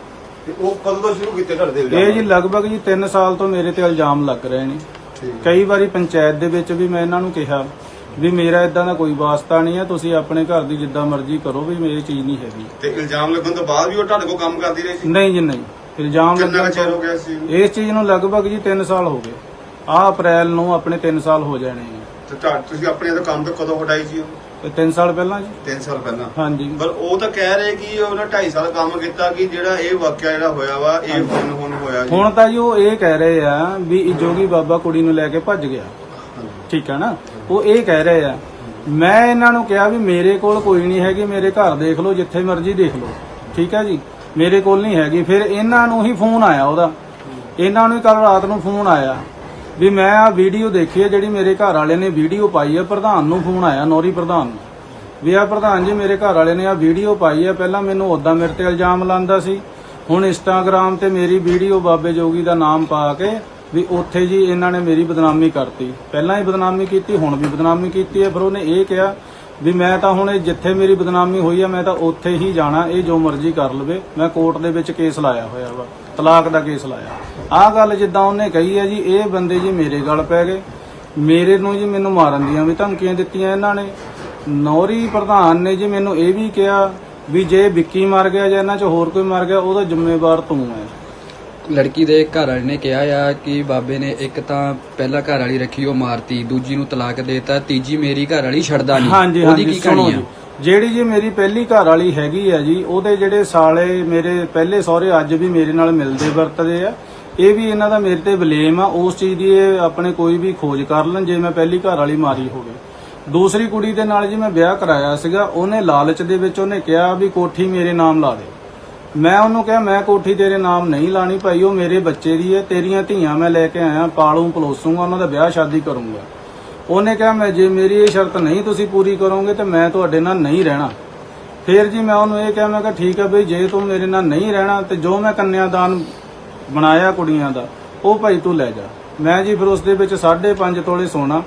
[SPEAKER 4] ਤੇ ਉਹ ਕਦੋਂ ਤੋਂ ਸ਼ੁਰੂ ਕੀਤੇ ਤੁਹਾਡੇ ਤੇ
[SPEAKER 8] ਇਹ ਜੀ ਲਗਭਗ ਜੀ 3 ਸਾਲ ਤੋਂ ਮੇਰੇ ਤੇ ਇਲਜ਼ਾਮ ਲੱਗ ਰਹੇ ਨੇ। ਕਈ ਵਾਰੀ ਪੰਚਾਇਤ ਦੇ ਵਿੱਚ ਵੀ ਮੈਂ ਇਹਨਾਂ ਨੂੰ ਕਿਹਾ ਵੀ ਮੇਰਾ ਇਦਾਂ ਦਾ ਕੋਈ ਵਾਸਤਾ ਨਹੀਂ ਹੈ, ਤੁਸੀਂ ਆਪਣੇ ਘਰ ਦੀ ਜਿੱਦਾਂ ਮਰਜ਼ੀ ਕਰੋ, ਵੀ ਮੇਰੀ ਚੀਜ਼ ਨਹੀਂ ਹੈਗੀ।
[SPEAKER 4] ਤੇ ਇਲਜ਼ਾਮ ਲੱਗਣ ਤੋਂ ਬਾਅਦ ਵੀ ਉਹ ਤੁਹਾਡੇ ਕੋਲ ਕੰਮ ਕਰਦੀ ਰਹੀ ਸੀ?
[SPEAKER 8] ਨਹੀਂ ਜੀ, ਨਹੀਂ। ਇਲਜ਼ਾਮ
[SPEAKER 4] ਕਿੰਨਾ
[SPEAKER 8] ਲੱਗਣ
[SPEAKER 4] ਚਿਰ ਹੋ
[SPEAKER 8] ਤੋਂ
[SPEAKER 4] ਗਿਆ ਸੀ?
[SPEAKER 8] ਇਸ ਚੀਜ਼ ਨੂੰ ਲਗਭਗ ਜੀ 3 ਸਾਲ ਹੋ ਗਏ। ਆਹ ਅਪ੍ਰੈਲ ਨੂੰ ਆਪਣੇ 3 ਸਾਲ ਹੋ ਜਾਣੇ ਆ।
[SPEAKER 4] ਤੇ ਤੁਸੀਂ ਆਪਣੇ ਤੋਂ ਕੰਮ ਤੋਂ ਕਦੋਂ ਹਟਾਈ ਸੀ?
[SPEAKER 8] ਤੇ 3 ਸਾਲ ਪਹਿਲਾਂ ਜੀ।
[SPEAKER 4] 3 ਸਾਲ ਪਹਿਲਾਂ?
[SPEAKER 8] ਹਾਂਜੀ।
[SPEAKER 4] ਪਰ ਉਹ ਤਾਂ ਕਹਿ ਰਹੇ ਕਿ ਉਹਨੇ 2.5 ਸਾਲ ਕੰਮ ਕੀਤਾ, ਕਿ ਜਿਹੜਾ ਇਹ ਵਾਕਿਆ ਜਿਹੜਾ ਹੋਇਆ ਵਾ ਇਹ ਹੁਣ ਹੋਇਆ ਜੀ।
[SPEAKER 8] ਹੁਣ ਤਾਂ ਜੀ ਉਹ ਇਹ ਕਹਿ ਰਹੇ ਆ ਵੀ ਇਹ ਜੋਗੀ ਬਾਬਾ ਕੁੜੀ ਨੂੰ ਲੈ ਕੇ ਭੱਜ ਗਿਆ। ਠੀਕ ਹੈ ਨਾ, ਉਹ ਇਹ ਕਹਿ ਰਹੇ ਆ। ਮੈਂ ਇਹਨਾਂ ਨੂੰ ਕਿਹਾ ਵੀ ਮੇਰੇ ਕੋਲ ਕੋਈ ਨਹੀਂ ਹੈਗੀ, ਮੇਰੇ ਘਰ ਦੇਖ ਲਓ, ਜਿੱਥੇ ਮਰਜ਼ੀ ਦੇਖ ਲਓ। ਠੀਕ ਹੈ ਜੀ, ਮੇਰੇ ਕੋਲ ਨਹੀਂ ਹੈਗੀ। ਫਿਰ ਇਹਨਾਂ ਨੂੰ ਹੀ ਫੋਨ ਆਇਆ ਉਹਦਾ, ਇਹਨਾਂ ਨੂੰ ਕੱਲ ਰਾਤ ਨੂੰ ਫੋਨ ਆਇਆ ਵੀ ਮੈਂ ਆ ਵੀਡੀਓ ਦੇਖੀ ਹੈ ਜਿਹੜੀ ਮੇਰੇ ਘਰ ਵਾਲੇ ਨੇ ਵੀਡੀਓ ਪਾਈ ਹੈ। ਪ੍ਰਧਾਨ ਨੂੰ ਫੋਨ ਆਇਆ, ਨੌਰੀ ਪ੍ਰਧਾਨ ਨੂੰ, ਵੀ ਆ ਪ੍ਰਧਾਨ ਜੀ ਮੇਰੇ ਘਰ ਵਾਲੇ ਨੇ ਆ ਵੀਡੀਓ ਪਾਈ ਹੈ। ਪਹਿਲਾਂ ਮੈਨੂੰ ਉਦਾਂ ਮੇਰੇ ਤੇ ਇਲਜ਼ਾਮ ਲਾਉਂਦਾ ਸੀ, ਹੁਣ ਇੰਸਟਾਗ੍ਰਾਮ ਤੇ ਮੇਰੀ ਵੀਡੀਓ ਬਾਬੇ ਜੋਗੀ ਦਾ ਨਾਮ ਪਾ ਕੇ ਵੀ ਉੱਥੇ ਜੀ ਇਹਨਾਂ ਨੇ ਮੇਰੀ ਬਦਨਾਮੀ ਕਰਤੀ। ਪਹਿਲਾਂ ਹੀ ਬਦਨਾਮੀ ਕੀਤੀ, ਹੁਣ ਵੀ ਬਦਨਾਮੀ ਕੀਤੀ ਹੈ। ਫਿਰ ਉਹਨੇ ਇਹ ਕਿਹਾ ਵੀ ਮੈਂ ਤਾਂ ਹੁਣ ਜਿੱਥੇ ਮੇਰੀ ਬਦਨਾਮੀ ਹੋਈ ਆ ਮੈਂ ਤਾਂ ਉੱਥੇ ਹੀ ਜਾਣਾ, ਇਹ ਜੋ ਮਰਜ਼ੀ ਕਰ ਲਵੇ। ਮੈਂ ਕੋਰਟ ਦੇ ਵਿੱਚ ਕੇਸ ਲਾਇਆ ਹੋਇਆ ਵਾ, ਤਲਾਕ ਦਾ ਕੇਸ ਲਾਇਆ। ਆਹ ਗੱਲ ਜਿੱਦਾਂ ਉਹਨੇ ਕਹੀ ਹੈ ਜੀ, ਇਹ ਬੰਦੇ ਜੀ ਮੇਰੇ ਗਲ ਪੈ ਗਏ। ਮੇਰੇ ਨੂੰ ਜੀ ਮੈਨੂੰ ਮਾਰਨ ਦੀਆਂ ਵੀ ਧਮਕੀਆਂ ਦਿੱਤੀਆਂ ਇਹਨਾਂ ਨੇ। ਨੌਰੀ ਪ੍ਰਧਾਨ ਨੇ ਜੀ ਮੈਨੂੰ ਇਹ ਵੀ ਕਿਹਾ ਵੀ ਜੇ ਵਿੱਕੀ ਮਰ ਗਿਆ ਜਾਂ ਇਹਨਾਂ 'ਚ ਹੋਰ ਕੋਈ ਮਰ ਗਿਆ ਉਹਦਾ ਜ਼ਿੰਮੇਵਾਰ ਤੂੰ ਹੈ।
[SPEAKER 6] ਲੜਕੀ ਦੇ ਘਰ ਵਾਲੇ ਨੇ ਕਿਹਾ ਆ ਕਿ ਬਾਬੇ ਨੇ ਇੱਕ ਤਾਂ ਪਹਿਲਾਂ ਘਰ ਵਾਲੀ ਰੱਖੀ ਉਹ ਮਾਰਤੀ, ਦੂਜੀ ਨੂੰ ਤਲਾਕ ਦੇਤਾ, ਤੀਜੀ ਮੇਰੀ ਘਰ ਵਾਲੀ ਛੱਡਦਾ ਨਹੀਂ।
[SPEAKER 8] ਹਾਂਜੀ
[SPEAKER 6] ਉਹਦੀ
[SPEAKER 8] ਹਾਂਜੀ,
[SPEAKER 6] ਕੀ
[SPEAKER 8] ਸੁਣੋ
[SPEAKER 6] ਕਹਾਣੀ ਆ?
[SPEAKER 8] ਜੀ, ਜਿਹੜੀ ਜੀ ਮੇਰੀ ਪਹਿਲੀ ਘਰ ਵਾਲੀ ਹੈਗੀ ਆ ਜੀ, ਉਹਦੇ ਜਿਹੜੇ ਸਾਲੇ ਮੇਰੇ ਪਹਿਲੇ ਸਹੁਰੇ ਅੱਜ ਵੀ ਮੇਰੇ ਨਾਲ ਮਿਲਦੇ ਵਰਤਦੇ ਆ। ਇਹ ਵੀ ਇਹਨਾਂ ਦਾ ਮੇਰੇ ਤੇ ਬਲੇਮ ਆ। ਉਸ ਚੀਜ਼ ਦੀ ਇਹ ਆਪਣੇ ਕੋਈ ਵੀ ਖੋਜ ਕਰ ਲੈਣ ਜੇ ਮੈਂ ਪਹਿਲੀ ਘਰ ਵਾਲੀ ਮਾਰੀ ਹੋਵੇ। ਦੂਸਰੀ ਕੁੜੀ ਦੇ ਨਾਲ ਜੀ ਮੈਂ ਵਿਆਹ ਕਰਾਇਆ ਸੀਗਾ। ਉਹਨੇ ਲਾਲਚ ਦੇ ਵਿੱਚ ਉਹਨੇ ਕਿਹਾ ਵੀ ਕੋਠੀ ਮੇਰੇ ਨਾਮ ਲਾ ਦੇ। ਮੈਂ ਉਹਨੂੰ ਕਿਹਾ ਮੈਂ ਕੋਠੀ ਤੇਰੇ ਨਾਮ ਨਹੀਂ ਲਾਣੀ ਭਾਈ, ਉਹ ਮੇਰੇ ਬੱਚੇ ਦੀ ਹੈ, ਤੇਰੀਆਂ ਧੀਆਂ ਮੈਂ ਲੈ ਕੇ ਆਇਆ, ਪਾਲੂ ਪਲੋਸੂਗਾ, ਉਹਨਾਂ ਦਾ ਵਿਆਹ ਸ਼ਾਦੀ ਕਰੂੰਗਾ। ਉਹਨੇ ਕਿਹਾ ਮੈਂ ਜੇ ਮੇਰੀ ਇਹ ਸ਼ਰਤ ਨਹੀਂ ਤੁਸੀਂ ਪੂਰੀ ਕਰੋਗੇ ਤੇ ਮੈਂ ਤੁਹਾਡੇ ਨਾਲ ਨਹੀਂ ਰਹਿਣਾ। ਫਿਰ ਜੀ ਮੈਂ ਉਹਨੂੰ ਇਹ ਕਿਹਾ, ਮੈਂ ਕਿਹਾ ਠੀਕ ਹੈ ਬਈ, ਜੇ ਤੂੰ ਮੇਰੇ ਨਾਲ ਨਹੀਂ ਰਹਿਣਾ ਤੇ ਜੋ ਮੈਂ ਕੰਨਿਆਦਾਨ ਬਣਾਇਆ ਕੁੜੀਆਂ ਦਾ ਉਹ ਭਾਈ ਤੂੰ ਲੈ ਜਾ। ਮੈਂ ਜੀ ਫਿਰ ਉਸ ਦੇ ਵਿੱਚ 5.5 ਤੋਲੇ ਸੋਨਾ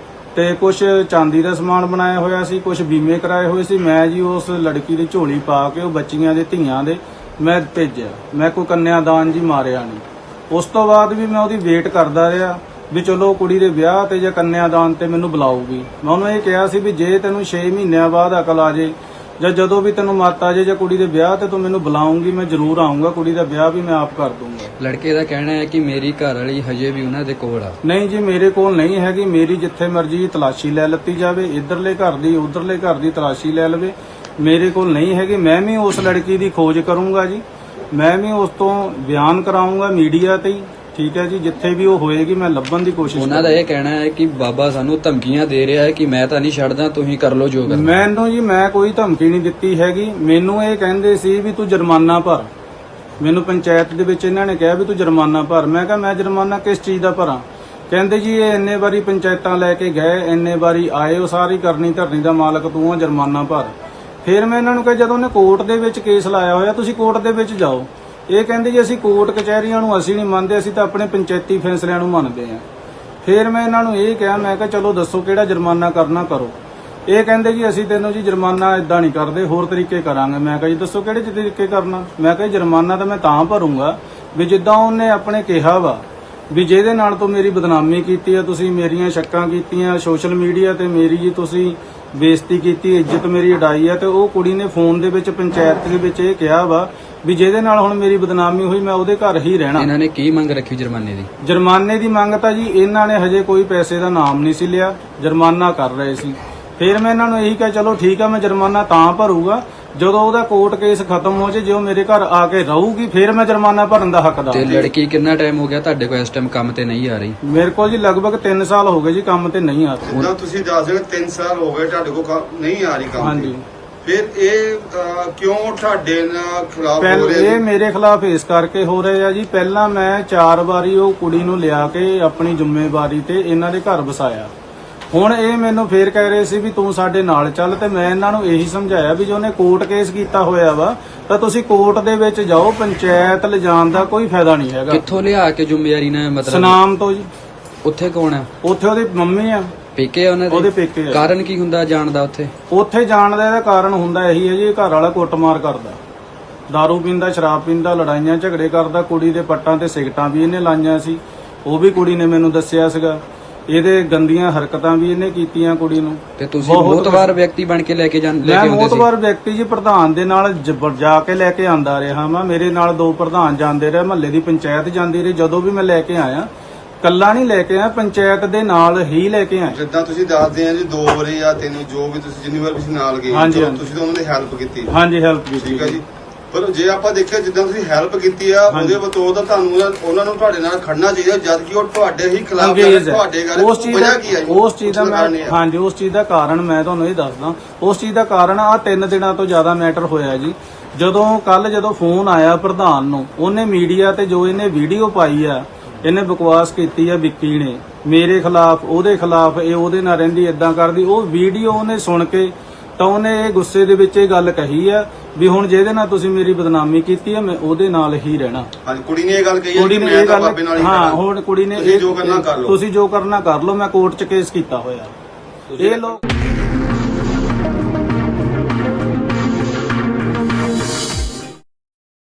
[SPEAKER 8] ਤੇ ਕੁਝ ਚਾਂਦੀ ਦਾ ਸਮਾਨ ਬਣਾਇਆ ਹੋਇਆ ਸੀ, ਕੁਝ ਬੀਮੇ ਕਰਾਏ ਹੋਏ ਸੀ। ਮੈਂ ਜੀ ਉਸ ਲੜਕੀ ਦੀ ਝੋਲੀ ਪਾ ਕੇ ਉਹ ਬੱਚੀਆਂ ਦੇ ਧੀਆਂ ਦੇ ਮੈਂ ਭੇਜਿਆ। ਮੈਂ ਕੋਈ ਕੰਨਿਆਦਾਨ ਜੀ ਮਾਰਿਆ ਨਹੀਂ। ਉਸ ਤੋਂ ਬਾਅਦ ਵੀ ਮੈਂ ਉਹਦੀ ਵੇਟ ਕਰਦਾ ਰਿਹਾ ਵੀ ਚਲੋ ਕੁੜੀ ਦੇ ਵਿਆਹ ਤੇ ਜਾਂ ਕੰਨਿਆਦਾਨ ਤੇ ਮੈਨੂੰ ਬੁਲਾਊਗੀ। ਮੈਂ ਉਹਨੂੰ ਇਹ ਕਿਹਾ ਸੀ ਵੀ ਜੇ ਤੈਨੂੰ 6 ਮਹੀਨਿਆਂ ਬਾਅਦ ਅਕਲ ਆ ਜੇ ਜਾਂ ਜਦੋਂ ਵੀ ਤੈਨੂੰ ਮੱਤ ਆ ਜੇ ਜਾਂ ਕੁੜੀ ਦੇ ਵਿਆਹ ਤੇ ਤੂੰ ਮੈਨੂੰ ਬੁਲਾਉਂਗੀ, ਮੈਂ ਜ਼ਰੂਰ ਆਉਂਗਾ। ਕੁੜੀ ਦਾ ਵਿਆਹ ਵੀ ਮੈਂ ਆਪ ਕਰ ਦੂੰਗਾ।
[SPEAKER 6] ਲੜਕੇ ਦਾ ਕਹਿਣਾ ਹੈ ਕਿ ਮੇਰੀ ਘਰ ਵਾਲੀ ਹਜੇ ਵੀ ਉਹਨਾਂ ਦੇ ਕੋਲ ਆ।
[SPEAKER 8] ਨਹੀਂ ਜੀ, ਮੇਰੇ ਕੋਲ ਨਹੀਂ ਹੈਗੀ। ਮੇਰੀ ਜਿੱਥੇ ਮਰਜ਼ੀ ਤਲਾਸ਼ੀ ਲੈ ਲੱਤੀ ਜਾਵੇ, ਇਧਰਲੇ ਘਰ ਦੀ ਉਧਰਲੇ ਘਰ ਦੀ ਤਲਾਸ਼ੀ ਲੈ ਲਵੇ, ਮੇਰੇ ਕੋਲ ਨਹੀਂ ਹੈਗੀ। ਮੈਂ ਵੀ ਉਸ ਲੜਕੀ ਦੀ ਖੋਜ ਕਰੂੰਗਾ ਜੀ, ਮੈਂ ਵੀ ਉਸ ਤੋਂ ਬਿਆਨ ਕਰਾਉਂਗਾ ਮੀਡੀਆ ਤੇ ਹੀ, ਠੀਕ ਹੈ ਜੀ। ਜਿੱਥੇ ਵੀ ਉਹ ਹੋਏਗੀ ਮੈਂ ਲੱਭਣ ਦੀ ਕੋਸ਼ਿਸ਼
[SPEAKER 6] ਉਹਨਾਂ ਦਾ ਇਹ ਕਹਿਣਾ ਹੈ ਕਿ ਬਾਬਾ ਸਾਨੂੰ ਧਮਕੀਆਂ ਦੇ ਰਿਹਾ ਹੈ ਕਿ ਮੈਂ ਤਾਂ ਨਹੀਂ ਛੱਡਦਾ, ਤੁਸੀਂ ਕਰ ਲਓ ਜੋ ਕਰਨਾ।
[SPEAKER 8] ਮੈਨੂੰ ਜੀ, ਮੈਂ ਕੋਈ ਧਮਕੀ ਨਹੀਂ ਦਿੱਤੀ ਹੈਗੀ। ਮੈਨੂੰ ਇਹ ਕਹਿੰਦੇ ਸੀ ਵੀ ਤੂੰ ਜੁਰਮਾਨਾ ਭਰ। ਮੈਨੂੰ ਪੰਚਾਇਤ ਦੇ ਵਿੱਚ ਇਹਨਾਂ ਨੇ ਕਿਹਾ ਵੀ ਤੂੰ ਜੁਰਮਾਨਾ ਭਰ। ਮੈਂ ਕਿਹਾ ਮੈਂ ਜੁਰਮਾਨਾ ਕਿਸ ਚੀਜ਼ ਦਾ ਭਰਾਂ? ਕਹਿੰਦੇ ਜੀ ਇਹ ਇੰਨੇ ਵਾਰੀ ਪੰਚਾਇਤਾਂ ਲੈ ਕੇ ਗਏ, ਇੰਨੇ ਵਾਰੀ ਆਏ, ਉਹ ਸਾਰੀ ਕਰਨੀ ਧਰਨੀ ਦਾ ਮਾਲਕ ਤੂੰ ਆ, ਜੁਰਮਾਨਾ ਭਰ। ਫਿਰ ਮੈਂ ਇਹਨਾਂ ਨੂੰ ਕਿਹਾ ਜਦੋਂ ਉਹਨੇ ਕੋਰਟ ਦੇ ਵਿੱਚ ਕੇਸ ਲਾਇਆ ਹੋਇਆ, ਤੁਸੀਂ ਕੋਰਟ ਦੇ ਵਿੱਚ ਜਾਓ। ਇਹ ਕਹਿੰਦੇ ਜੀ ਅਸੀਂ ਕੋਰਟ ਕਚਹਿਰੀਆਂ ਨੂੰ ਅਸੀਂ ਨਹੀਂ ਮੰਨਦੇ, ਅਸੀਂ ਤਾਂ ਆਪਣੇ ਪੰਚਾਇਤੀ ਫੈਸਲਿਆਂ ਨੂੰ ਮੰਨਦੇ ਹਾਂ। ਫਿਰ ਮੈਂ ਇਹਨਾਂ ਨੂੰ ਇਹ ਕਿਹਾ, ਮੈਂ ਕਿਹਾ ਚਲੋ ਦੱਸੋ ਕਿਹੜਾ ਜੁਰਮਾਨਾ ਕਰਨਾ ਕਰੋ। ਇਹ ਕਹਿੰਦੇ ਜੀ ਅਸੀਂ ਤੈਨੂੰ ਜੀ ਜੁਰਮਾਨਾ ਇਦਾਂ ਨਹੀਂ ਕਰਦੇ, ਹੋਰ ਤਰੀਕੇ ਕਰਾਂਗੇ। ਮੈਂ ਕਿਹਾ ਜੀ ਦੱਸੋ ਕਿਹੜੇ ਤਰੀਕੇ ਕਰਨਾ? ਮੈਂ ਕਿਹਾ ਜੁਰਮਾਨਾ ਤਾਂ ਮੈਂ ਤਾਂ ਭਰੂੰਗਾ ਵੀ ਜਿੱਦਾਂ ਉਹਨੇ ਆਪਣੇ ਕਿਹਾ ਵਾ ਵੀ ਜਿਹਦੇ ਨਾਲ ਤੋਂ ਮੇਰੀ ਬਦਨਾਮੀ ਕੀਤੀ ਆ, ਤੁਸੀਂ ਮੇਰੀਆਂ ਸ਼ੱਕਾਂ ਕੀਤੀਆਂ ਸੋਸ਼ਲ ਮੀਡੀਆ ਤੇ, ਮੇਰੀ ਜੀ ਤੁਸੀਂ ਬੇਇੱਜ਼ਤੀ ਕੀਤੀ, ਇੱਜ਼ਤ ਮੇਰੀ ਉਡਾਈ ਆ, ਤੇ ਉਹ ਕੁੜੀ ਨੇ ਫੋਨ ਦੇ ਵਿੱਚ ਪੰਚਾਇਤ ਦੇ ਵਿੱਚ ਇਹ ਕਿਹਾ ਵਾ ਵੀ ਜਿਹਦੇ ਨਾਲ ਹੁਣ ਮੇਰੀ ਬਦਨਾਮੀ ਹੋਈ ਮੈਂ ਉਹਦੇ ਘਰ ਹੀ ਰਹਿਣਾ।
[SPEAKER 6] ਇਹਨਾਂ ਨੇ ਕੀ ਮੰਗ ਰੱਖੀ ਜੁਰਮਾਨੇ ਦੀ?
[SPEAKER 8] ਜੁਰਮਾਨੇ ਦੀ ਮੰਗ ਤਾਂ ਜੀ ਇਹਨਾਂ ਨੇ ਹਜੇ ਕੋਈ ਪੈਸੇ ਦਾ ਨਾਮ ਨਹੀਂ ਸੀ ਲਿਆ, ਜੁਰਮਾਨਾ ਕਰ ਰਹੇ ਸੀ। ਫਿਰ ਮੈਂ ਇਹਨਾਂ ਨੂੰ ਇਹੀ ਕਿਹਾ ਚਲੋ ਠੀਕ ਆ, ਮੈਂ ਜੁਰਮਾਨਾ ਤਾਂ ਭਰੂਗਾ ਜਦੋਂ ਉਹਦਾ ਕੋਰਟ ਕੇਸ ਖਤਮ ਹੋ ਜੇ, ਜੇ ਉਹ ਮੇਰੇ ਘਰ ਆ ਕੇ ਰਹੂਗੀ ਫਿਰ ਮੈਂ ਜੁਰਮਾਨਾ ਭਰਨ ਦਾ ਹੱਕਦਾਰ।
[SPEAKER 6] ਤੇ ਲੜਕੀ ਕਿੰਨਾ ਟਾਈਮ ਹੋ ਗਿਆ ਤੁਹਾਡੇ ਕੋਲ ਇਸ ਟਾਈਮ ਕੰਮ ਤੇ ਨਹੀਂ ਆ ਰਹੀ?
[SPEAKER 8] ਮੇਰੇ ਕੋਲ ਜੀ ਲਗਭਗ 3 ਸਾਲ ਹੋ ਗਏ ਜੀ ਕੰਮ ਤੇ ਨਹੀਂ ਆ ਰਹੀ।
[SPEAKER 4] ਜਿੱਦਾਂ ਤੁਸੀਂ ਦੱਸ ਰਹੇ 3 ਸਾਲ ਹੋ ਗਏ ਤੁਹਾਡੇ ਕੋਲ ਨਹੀਂ ਆ ਰਹੀ ਕੰਮ
[SPEAKER 8] ਹਾਂਜੀ।
[SPEAKER 4] ਤੇ। ਫਿਰ ਇਹ ਕਿਉਂ ਤੁਹਾਡੇ ਨਾਲ ਖਿਲਾਫ ਹੋ
[SPEAKER 8] ਪਹਿਲਾਂ
[SPEAKER 4] ਰਹੇ
[SPEAKER 8] ਇਹ ਮੇਰੇ ਖਿਲਾਫ ਇਸ ਕਰਕੇ ਹੋ ਰਹੇ ਆ ਜੀ, ਪਹਿਲਾਂ ਮੈਂ 4 ਵਾਰੀ ਉਹ ਕੁੜੀ ਨੂੰ ਲਿਆ ਕੇ ਆਪਣੀ ਜ਼ਿੰਮੇਵਾਰੀ ਤੇ ਇਹਨਾਂ ਦੇ ਘਰ ਵਸਾਇਆ। ਹੁਣ ਇਹ ਮੈਨੂੰ ਫੇਰ ਕਹਿ ਰਹੇ ਸੀ ਵੀ ਤੂੰ ਸਾਡੇ ਨਾਲ ਚੱਲ, ਤੇ ਮੈਂ ਇਹਨਾਂ ਨੂੰ ਇਹੀ ਸਮਝਾਇਆ ਵੀ ਜੇ ਉਹਨੇ ਕੋਰਟ ਕੇਸ ਕੀਤਾ ਹੋਇਆ ਵਾ ਤਾਂ ਤੁਸੀਂ ਕੋਰਟ ਦੇ ਵਿੱਚ ਜਾਓ, ਪੰਚਾਇਤ ਲਿਜਾਣ ਦਾ ਕੋਈ ਫਾਇਦਾ ਨਹੀਂ ਹੈਗਾ।
[SPEAKER 6] ਕਿੱਥੋਂ ਲਿਆ ਕੇ ਜ਼ਿੰਮੇਵਾਰੀ ਨਾਲ ਮਤਲਬ?
[SPEAKER 8] ਸਨਾਮ ਤੋਂ ਜੀ।
[SPEAKER 6] ਉੱਥੇ ਕੌਣ ਆ?
[SPEAKER 8] ਉੱਥੇ ਉਹਦੀ ਮੰਮੀ ਆ,
[SPEAKER 6] ਪੇਕੇ ਆ ਉਹਨਾਂ
[SPEAKER 8] ਉਹਦੇ
[SPEAKER 6] ਦੇ?
[SPEAKER 8] ਪੇਕੇ ਆ।
[SPEAKER 6] ਕਾਰਨ ਕੀ ਹੁੰਦਾ ਜਾਣ ਦਾ ਉੱਥੇ?
[SPEAKER 8] ਉੱਥੇ ਜਾਣ ਦਾ ਇਹਦਾ ਕਾਰਨ ਹੁੰਦਾ ਇਹੀ ਹੈ ਜੀ, ਇਹ ਘਰ ਵਾਲਾ ਕੁੱਟਮਾਰ ਕਰਦਾ, ਦਾਰੂ ਪੀਂਦਾ, ਸ਼ਰਾਬ ਪੀਂਦਾ, ਲੜਾਈਆਂ ਝਗੜੇ ਕਰਦਾ, ਕੁੜੀ ਦੇ ਪੱਟਾਂ ਤੇ ਸਿਗਟਾਂ ਵੀ ਇਹਨੇ ਲਾਈਆਂ ਸੀ, ਉਹ ਵੀ ਕੁੜੀ ਨੇ ਮੈਨੂੰ ਦੱਸਿਆ ਸੀਗਾ। ਇਹਦੇ ਗੰਦੀਆਂ ਹਰਕਤਾਂ ਵੀ ਇਹਨੇ ਕੀਤੀਆਂ ਕੁੜੀ ਨੂੰ।
[SPEAKER 6] ਤੇ ਤੁਸੀਂ ਮੋਤਵਾਰ ਵਿਅਕਤੀ ਬਣ ਕੇ ਲੈ ਕੇ
[SPEAKER 8] ਮੈਂ
[SPEAKER 6] ਹੁੰਦੇ ਸੀ?
[SPEAKER 8] ਮੋਤਵਾਰ ਵਿਅਕਤੀ ਜੀ, ਪ੍ਰਧਾਨ ਦੇ ਨਾਲ ਜਾ ਕੇ ਲੈ ਕੇ ਆਂਦਾ ਰਿਹਾ ਮੈਂ। ਮੇਰੇ ਨਾਲ 2 ਪ੍ਰਧਾਨ ਜਾਂਦੇ ਰਹੇ, ਮਹੱਲੇ ਦੀ ਪੰਚਾਇਤ ਜਾਂਦੀ ਰਹੀ। ਜਦੋਂ ਵੀ ਮੈਂ ਲੈ ਕੇ ਆਇਆ, ਕੱਲਾ ਨਹੀਂ ਲੈ ਕੇ ਆਇਆ, ਪੰਚਾਇਤ ਦੇ ਨਾਲ ਹੀ ਲੈ ਕੇ ਆਇਆ।
[SPEAKER 4] ਜਿੱਦਾਂ ਤੁਸੀਂ ਦੱਸਦੇ ਆ ਜੀ 2 ਵਾਰੀ ਜਾਂ 3 ਜੋ ਵੀ ਤੁਸੀਂ ਜਿੰਨੀ ਵਾਰ ਤੁਸੀਂ ਨਾਲ ਗਏ
[SPEAKER 8] ਹਾਂਜੀ,
[SPEAKER 4] ਚਲੋ ਤੁਸੀਂ ਤਾਂ ਉਹਨਾਂ ਦੀ ਹੈਲਪ ਕੀਤੀ।
[SPEAKER 8] ਹਾਂਜੀ, ਹੈਲਪ ਕੀਤੀ।
[SPEAKER 4] ਠੀਕ ਹੈ ਜੀ। ਪਰ ਜੇ ਆਪਾਂ ਦੇਖਿਆ ਜਿੱਦਾਂ ਤੁਸੀਂ ਹੈਲਪ ਕੀਤੀ ਆ, ਉਹਦੇ ਬਤੌਰ ਤਾਂ ਤੁਹਾਨੂੰ ਉਹਨਾਂ ਨੂੰ ਤੁਹਾਡੇ ਨਾਲ ਖੜਨਾ ਚਾਹੀਦਾ, ਜਦ ਕਿ ਉਹ ਤੁਹਾਡੇ ਹੀ ਖਿਲਾਫ
[SPEAKER 8] ਅੰਗਰੇਜ਼ ਹੈ।
[SPEAKER 4] ਤੁਹਾਡੇ ਗੱਲ
[SPEAKER 8] ਉਸ ਚੀਜ਼ ਦਾ
[SPEAKER 4] ਕੀ ਹੈ?
[SPEAKER 8] ਉਸ ਚੀਜ਼ ਦਾ ਮੈਂ ਹਾਂਜੀ ਉਸ ਚੀਜ਼ ਦਾ ਕਾਰਨ ਮੈਂ ਤੁਹਾਨੂੰ ਇਹ ਦੱਸਦਾ। ਉਸ ਚੀਜ਼ ਦਾ ਕਾਰਨ ਆ 3 ਦਿਨਾਂ ਤੋਂ ਜ਼ਿਆਦਾ ਮੈਟਰ ਹੋਇਆ ਜੀ। ਜਦੋਂ ਫੋਨ ਆਇਆ ਪ੍ਰਧਾਨ ਨੂੰ, ਉਹਨੇ ਮੀਡੀਆ ਤੇ ਜੋ ਇਹਨੇ ਵੀਡੀਓ ਪਾਈ ਆ, ਇਹਨੇ ਬਕਵਾਸ ਕੀਤੀ ਆ ਵਿੱਕੀ ਨੇ ਮੇਰੇ ਖਿਲਾਫ, ਉਹਦੇ ਖਿਲਾਫ, ਇਹ ਉਹਦੇ ਨਾਲ ਰਹਿੰਦੀ, ਇਦਾਂ ਕਰਦੀ। ਉਹ ਵੀਡੀਓ ਉਹਨੇ ਸੁਣ ਕੇ ਤਾਂ ਉਹਨੇ ਇਹ ਗੁੱਸੇ ਦੇ ਵਿੱਚ ਇਹ ਗੱਲ ਕਹੀ ਆ ਵੀ ਹੁਣ ਜਿਹਦੇ ਨਾਲ ਤੁਸੀਂ ਮੇਰੀ ਬਦਨਾਮੀ ਕੀਤੀ ਆ, ਮੈਂ ਉਹਦੇ ਨਾਲ ਹੀ ਰਹਿਣਾ।
[SPEAKER 4] ਹਾਂਜੀ, ਕੁੜੀ ਨੇ ਇਹ ਗੱਲ ਕਹੀ ਹੈ
[SPEAKER 8] ਕੁੜੀ
[SPEAKER 4] ਕਿ
[SPEAKER 8] ਨੇ
[SPEAKER 4] ਮੈਂ
[SPEAKER 8] ਇਹ
[SPEAKER 4] ਤਾਂ
[SPEAKER 8] ਗੱਲ
[SPEAKER 4] ਬਾਬੇ ਨਾਲ ਹੀ
[SPEAKER 8] ਹਾਂ,
[SPEAKER 4] ਖੜਾ।
[SPEAKER 8] ਹੁਣ ਕੁੜੀ ਨੇ
[SPEAKER 4] ਤੁਸੀਂ ਜੋ ਕਰਨਾ ਕਰ ਲਓ।
[SPEAKER 8] ਤੁਸੀਂ ਜੋ ਕਰਨਾ ਕਰ ਲਓ, ਮੈਂ ਕੋਰਟ 'ਚ ਕੇਸ ਕੀਤਾ ਹੋਇਆ। ਇਹ ਲੋਕ